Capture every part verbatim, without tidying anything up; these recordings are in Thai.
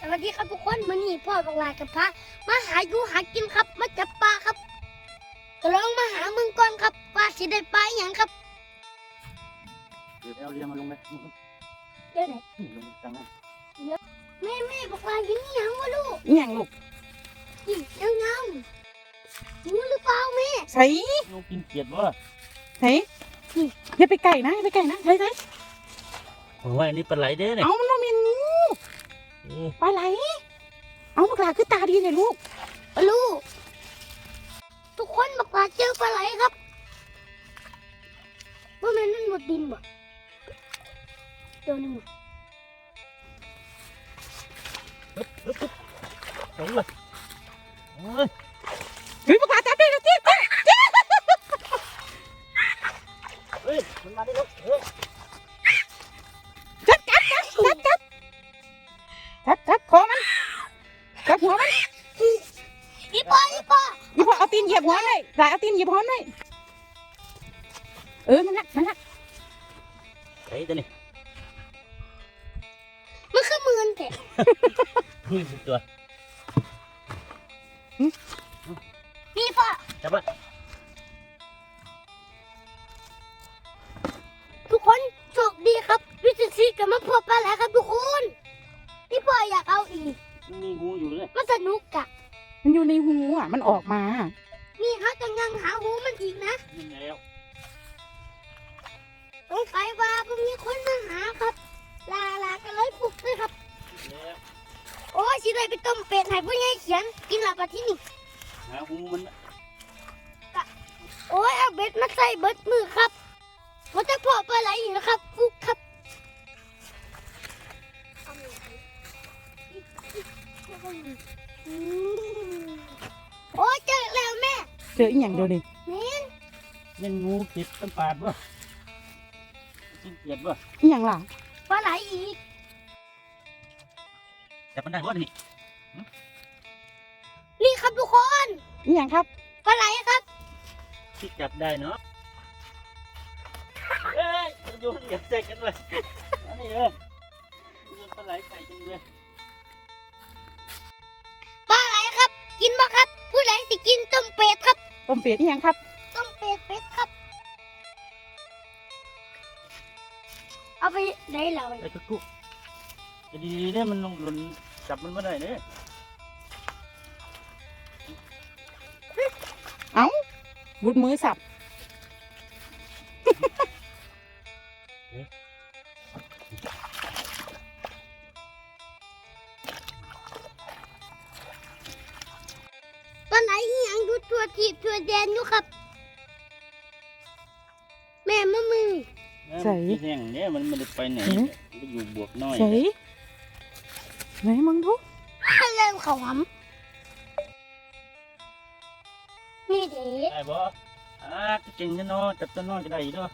สวัสดีครับทุกคนมื้อนี้พ่อบอกลากับพระมาหาอยู่หากินครับมาจับปลาครับก็ลองมาหามึงก่อนครับว่าสิได้ปลาอย่างครับเดี๋ยวเอาเรียงมาลงไหมเดี๋ยวไหนลงกลางนั้นแม่แม่บอกลาอยู่นี่ยังวะลูกอิหยังลูกนี่ยังเงารู้หรือเปล่าแม่ใส่ลูกกินเกียดวะใส่อย่าไปไก่นะอย่าไปไก่นะใส่ใส่โอ้ยนี่ปลาไหลเด้เนี่ยเอามันมาเมียนงูปลาไหลเอาบักหลาคือตาดีเลยลูกลูกทุกคนบอกลาเจอปลาไหลครับว่าแม่นั่นหมดดินบ่เดี๋ยวนึงโอ้ยโอ้ยเฮ้ยบักหลาจับได้แล้วจิ๊บเฮ้ยมันมาได้แล้วเฮ้ยจับจับจับจับจับจับจับคอมันจับหัวมันอีปออีปออีพ่อเอาตีนเหยียบหัวเลยหลายเอาตีนเหยียบหัวเลยเออนั่นแหละนั่นแหละไอ้ตัวนี้มันคือมือนแต่นี่สิตัวนี่ปอจับละทุกคนโชคดีครับวิจิตรซีกับมาพบปลาไหลครับทุกคนพี่ปออยากเอาอีกมันมีงูอยู่เลยมันสนุกอะมันอยู่ในหูอ่ะมันออกมานี่เขาจะยังหาหูมันอีกนะยิงแล้วสงสัยว่าพวกมีคนมาหาครับ ลาลากันเลยปลุกเลยครับแล้วโอ้ยสิได้ไปต้มเป็ดให้ผู้ใหญ่เขียนกินหลับมาที่นี่หางูมันโอ้ยเอาเบ็ดมาใส่เบิดมือครับมันจะพอปลาไหลอีกนะครับฟุกครับโอ้ยเจอแล้วแม่เจออีหยังเดียวดิแม่นเล่นงูติดต้นปาดวะกินเกียดวะอีหยังล่ะปลาไหลอีกจับมันได้วะนี่นี่ครับทุกคนอีหยังครับปลาไหลครับที่จับได้เนาะเอ้ยมันโยนเหยียบใส่กันเลยอันนี้เออโยนปลาไหลใส่กันเลยปลาไหลครับ กินบ่ครับ ผู้ใดสิกินต้มเป็ดครับต้มเป็ดอีหยังครับต้มเป็ดเป็ดครับ เอาไปไหนเราไอ้ตะกุจะดีๆเนี่ยมันลงหล่นจับมันไม่ได้เนี่ยบุดมือสับปลาไหลอีหยังดูตัวทีบตัวแดนอยู่ครับ แม่มามือใส่แห้งเนี่ยมันไม่ได้ไปไหนมันอยู่บวกน้อยใส่ไหนมึงทุกเริ่มเขาหำนี่เด็ได้บ่อ่าเก่งจะนอนจับตัวน้อยจะได้อีกเนาะ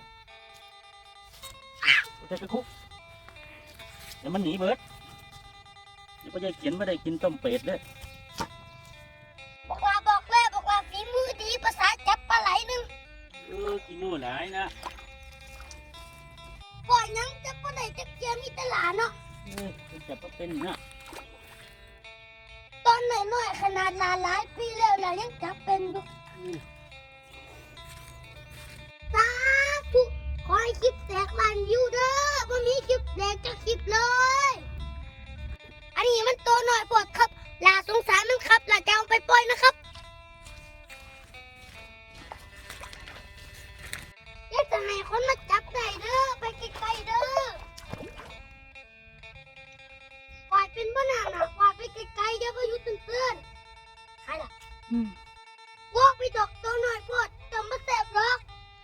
จะไปคุกเดี๋ยวมันหนีเบิดเดี๋ยวพ่อจะเขียนไม่ได้กินต้มเป็ดเลยบอกว่าบอกแล้วบอกว่าฝีมือดีภาษาจับปลาไหลหนึ่งเออกินนู่นหลายนะปล่อยยังจับปลาไหลจับเกียมีแตหลาเนาะเออจับก็เป็นนะตอนน้อยๆขนาดหลานหลายปีแล้วเรายังจับเป็นอยู่สาธุขอให้คลิปแตกลานวิวเด้อบ่มีคลิปแตกจะคลิปเลย อันนี้มันตัวน้อยปวดครับลาสงสารมันครับลาจะเอาไปปล่อยนะครับอยากจะให้คนมาจับได้เด้อไปไกลๆเด้อปล่อยเป็นบ้านานะปล่อยไปไกลๆเดี๋ยวพายุตื่นๆใครล่ะอืมวอกไปดอกตัวน้อยปวดจำมาแสบหรอก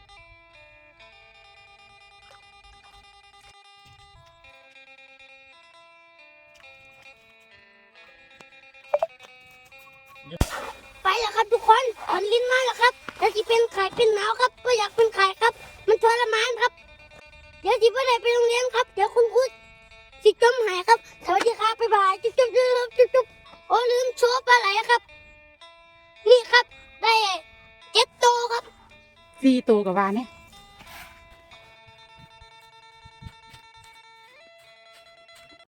ไปแล้วครับทุกคนถอนลิ้นมาแล้วครับแล้วที่เป็นไข่เป็นหนาวครับก็อยากเป็นไข่ครับ มันทรมานครับ เดี๋ยวที่ไม่ได้ไปโรงเรียนครับ เดี๋ยวคุณครูสิจมหายครับ สวัสดีครับบ๊ายบายจุ๊บจุ๊บจุ๊บจุ๊บจุ๊บโอ้ลืมโชว์ปลาไหลครับ นี่ครับ ได้เจ็ดโตวครับสี่ตัวกับวานเนี่ย